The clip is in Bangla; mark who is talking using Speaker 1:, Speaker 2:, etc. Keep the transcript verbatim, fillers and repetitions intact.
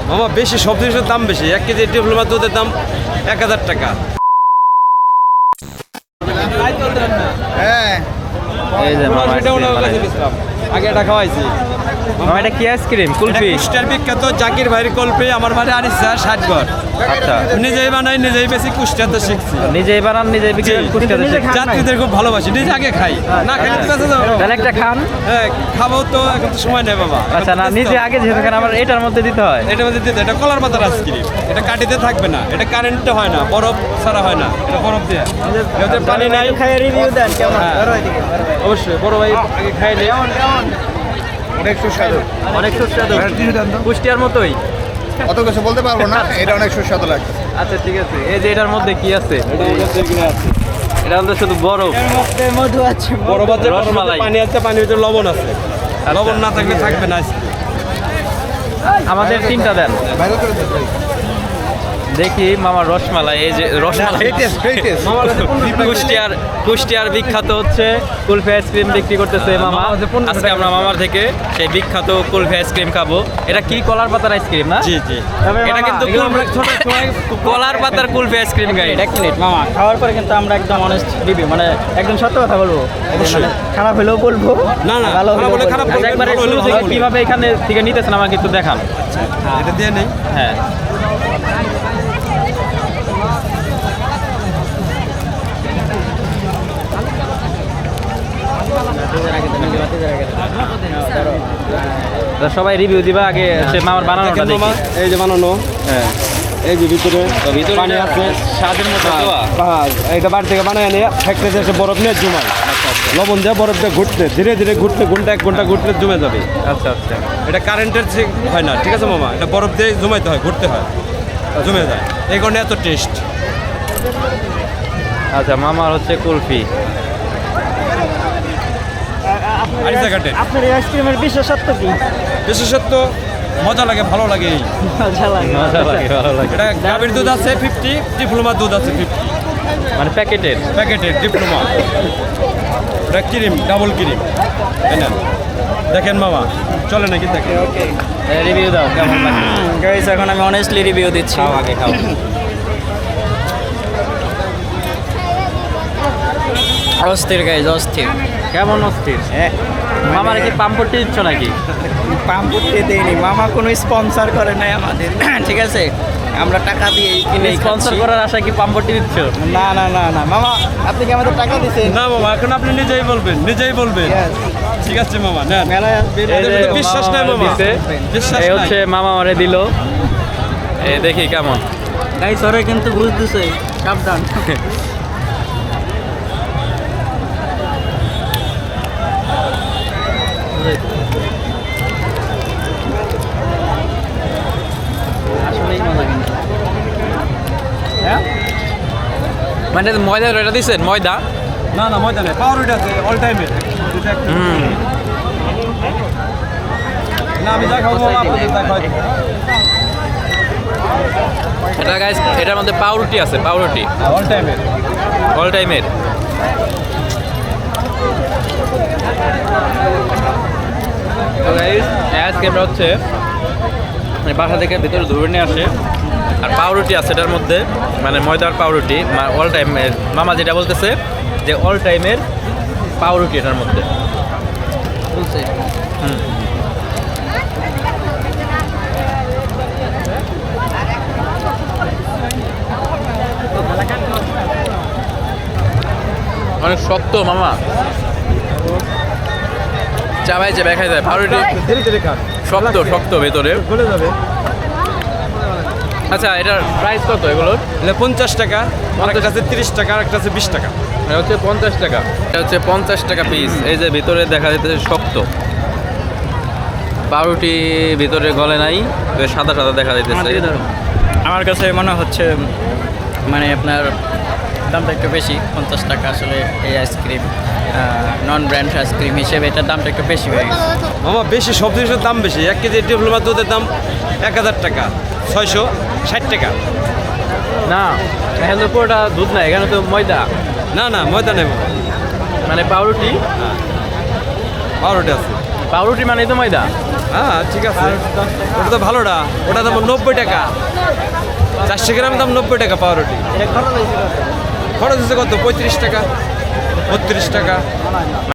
Speaker 1: মামা বেশি সব জিনিসের দাম বেশি। এক কেজি ডিপ্লোমা দুধের দাম এক হাজার টাকা।
Speaker 2: হ্যাঁ
Speaker 3: এই যে মামা
Speaker 1: সেটা ওনার কাছে বেচলাম। আগে এটা খাওয়াইছি।
Speaker 3: মামা এটা কি আইসক্রিম কুলফি?
Speaker 1: কুষ্টিয়ার বিখ্যাত জাকির ভাইয়ের কল্পে আমার বাড়ি আনিসা ষাটগড়।
Speaker 3: আচ্ছা
Speaker 1: নিজেই বানাই নিজেই বেশি কুষ্টিয়াতে শিখছি।
Speaker 3: নিজেই বানান নিজেই বিক্রি করেন কুষ্টিয়াতে থেকে?
Speaker 1: যাত্রীদের খুব ভালোবাসি, নিজে আগে খাই না খেলে তো বেঁচে যাবো।
Speaker 3: তাহলে একটা খান।
Speaker 1: হ্যাঁ খাবো তো, এখন তো সময় নেই বাবা।
Speaker 3: আচ্ছা না নিজে আগে যেহেতু খান আমার এটার মধ্যে দিতে হয়।
Speaker 1: এটা মধ্যে দিতে এটা কলার পাতার আইসক্রিম। এটা কাটিতে থাকবে না, এটা কারেন্টে হয় না, বরফ ছাড়া হয় না, এটা বরফ দিয়ে। এতে পানি নাই।
Speaker 2: খাই রিভিউ দেন কেমন?
Speaker 1: হ্যাঁ। অবশ্যই বড় ভাই আগে খাইলে
Speaker 2: অনেক সুস্বাদু।
Speaker 3: অনেক সুস্বাদু কুষ্টিয়ার মতোই।
Speaker 2: অত কিছু বলতে পারবো না, এটা অনেক সুস্বাদু লাগছে।
Speaker 3: আচ্ছা ঠিক আছে। এই যে এটার মধ্যে কি আছে? এটা হলো শুধু বরফ।
Speaker 2: মধু আছে।
Speaker 1: বরফ আছে,
Speaker 3: রসমালাই।
Speaker 1: পানি আছে, পানির ভিতরে লবণ আছে। লবণ না থাকলে থাকবে না আইসক্রিম।
Speaker 3: আমাদের তিনটা দেন দেখি। মামার রসমালাই, এই যে রসমালাই কুষ্টিয়ার কুষ্টিয়ার বিখ্যাত হচ্ছে কুলফি আইসক্রিম বিক্রি করতেছে মামা। আজকে আমরা মামার থেকে সেই বিখ্যাত কুলফি আইসক্রিম খাবো। এটা কি কলার পাতার আইসক্রিম না?
Speaker 1: জি জি।
Speaker 3: এটা কিন্তু কলার পাতার কুলফি আইসক্রিম গাইড।
Speaker 4: এক মিনিট মামা, খাওয়ার পরে কিন্তু আমরা একদম অনেস্ট রিভিউ, মানে একদম সত্য কথা বলবো।
Speaker 1: অবশ্যই।
Speaker 4: মানে খারাপ হলেও বলবো,
Speaker 1: না না
Speaker 4: ভালো
Speaker 1: খারাপ
Speaker 4: হলেও
Speaker 1: বলে
Speaker 4: বলবো।
Speaker 1: খারাপ
Speaker 3: আচ্ছা,
Speaker 1: বলবেন,
Speaker 3: একবারে
Speaker 1: ভালো হলে
Speaker 3: শুরু
Speaker 1: ভালো
Speaker 3: থেকে
Speaker 1: বলবেন।
Speaker 3: কিভাবে এখানে থেকে নিতেছেন আমাকে একটু দেখান।
Speaker 1: এটা দিয়ে নেই।
Speaker 3: হ্যাঁ তো সবাই রিভিউ দিবা আগে, সে মামার বানানোটা
Speaker 1: দেখেন
Speaker 3: দেখি।
Speaker 1: মামা, এই যে বানানো,
Speaker 3: হ্যাঁ
Speaker 1: এই যে ভিতরে
Speaker 3: ভিতরে
Speaker 1: পানি আছে।
Speaker 3: স্বাদের মতো দেওয়া।
Speaker 1: হ্যাঁ, এটা বাড়ি থেকে বানায় নিয়ে ফ্যাক্টরিতে এসে বরফ নিয়ে জমায়। লবণ দিয়ে বরফ দিয়ে ঘুরতে ধীরে ধীরে ঘুরতে ঘন্টা এক ঘন্টা ঘুরতে জমে যাবে।
Speaker 3: আচ্ছা আচ্ছা
Speaker 1: এটা কারেন্টের হয় না, ঠিক আছে মামা? এটা বরফ দিয়ে জমাইতে হয়, ঘুরতে হয়, জমে যায়। এই কারণে এত টেস্ট।
Speaker 3: আচ্ছা মামার হচ্ছে কুলফি।
Speaker 1: আরিসা ঘাটে
Speaker 4: আপনার এই আইসক্রিমের বিশেষত্ব কি?
Speaker 1: বিশেষত্ব মজা লাগে, ভালো লাগে। এই
Speaker 4: মজা লাগে।
Speaker 3: মজা লাগে, ভালো লাগে।
Speaker 1: এটা গাভীর দুধ আছে ফিফটি, ডিপ্লোমার দুধ আছে ফিফটি।
Speaker 3: মানে প্যাকেটের।
Speaker 1: প্যাকেটের ডিপ্লোমা। এটা ক্রিম, ডাবল ক্রিম। তাই না? দেখেন মামা, চলে নাকি দেখেন।
Speaker 3: রিভিউ দাও কেমন লাগে।
Speaker 4: গাইস এখন আমি অনেস্টলি রিভিউ দিচ্ছি।
Speaker 3: খাও আগে খাও।
Speaker 4: অস্থির গাইস, অস্থির।
Speaker 3: কেমন অস্থির? মামার কি পাম্পটি দিচ্ছ নাকি?
Speaker 4: পাম্পুটে দেয়নি মামা, কোনো স্পন্সর করে নাই আমাদের। ঠিক আছে, আমরা টাকা দিয়ে কিনে
Speaker 3: স্পন্সর করার আশায় কি পাম্পটি দিচ্ছ?
Speaker 4: না না না না মামা, আপনি কি আমাদের টাকা দিচ্ছেন?
Speaker 1: না মামা, এখন আপনি নিজেই বলবেন, নিজেই বলবেন।
Speaker 4: Yes.
Speaker 1: ঠিক আছে মামা, নেন।
Speaker 4: মেলায় আসবেন।
Speaker 3: এই যে
Speaker 1: এদের বিশ্বাস নাই
Speaker 3: মামা
Speaker 1: মামা।
Speaker 3: দিছে।
Speaker 1: বিশ্বাস
Speaker 3: এই
Speaker 1: নাই।
Speaker 3: হচ্ছে মামা আমারে দিল। এই দেখি কেমন।
Speaker 4: গাইস ওরে কিন্তু ঘুষ দিছে, সাবধান। আসলেই মজা কিন্তু।
Speaker 3: হ্যাঁ মানে ময়দা এটা দিচ্ছেন ময়দা?
Speaker 1: না না মজা নেই, পাউরুটি আছে অল টাইমের।
Speaker 3: হুম
Speaker 1: না আমি যা খাবো মামা, আপনাদের যা খাওয়াই দেবো।
Speaker 3: এটা গাইস, এটার মধ্যে পাউরুটি আছে, পাউরুটি
Speaker 1: অল টাইমের।
Speaker 3: অল টাইমের। তো গাইস আইসক্রিমটা হচ্ছে মানে বাসা থেকে ভিতরে ধরে নিয়ে আসে। আর পাউরুটি আছে এটার মধ্যে, মানে ময়দার পাউরুটি। অল টাইমের মামা যেটা বলতেছে যে অল টাইমের পাউরুটি এটার মধ্যে।
Speaker 4: বলছে
Speaker 3: হুম অনেক শক্ত মামা, চাবাই চাবাই খাই যায়। পাউরুটি
Speaker 1: ধীরে ধীরে খান,
Speaker 3: শক্ত শক্ত ভেতরে।
Speaker 1: গলে যাবে।
Speaker 3: আচ্ছা এটার প্রাইস কত এগুলোর?
Speaker 1: এটা পঞ্চাশ টাকা, আরেকটা আছে তিরিশ টাকা, আরেকটা আছে বিশ টাকা।
Speaker 3: এটা হচ্ছে পঞ্চাশ টাকা। এটা হচ্ছে পঞ্চাশ টাকা পিস। এই যে ভিতরে দেখা যাচ্ছে শক্ত পাউরুটি, ভিতরে গলে নাই, সাদা সাদা দেখা যাইতেছে।
Speaker 4: আমার কাছে মনে হচ্ছে মানে আপনার দামটা একটু বেশি, পঞ্চাশ টাকা। আসলে এই আইসক্রিম নন ব্র্যান্ড আইসক্রিম হিসেবে এটার দামটা একটু বেশি হয়ে গেছে।
Speaker 1: মামা বেশি সব জিনিসের দাম বেশি। এক কেজি ডিপ্লোমা দুধের দাম এক হাজার টাকা, ছয়শো ষাট টাকা।
Speaker 3: না এখানে তো পুরোটা দুধ না, এখানে তো ময়দা।
Speaker 1: না না ময়দা নেই মামা,
Speaker 3: মানে পাউরুটি,
Speaker 1: পাউরুটি আছে।
Speaker 3: পাউরুটি মানে তো ময়দা।
Speaker 1: হ্যাঁ ঠিক আছে ওটা তো ভালোটা ওটা দাম নব্বই টাকা চারশো গ্রাম দাম নব্বই টাকা পাউরুটি খরচ হচ্ছে কত পঁয়ত্রিশ টাকা বত্রিশ টাকা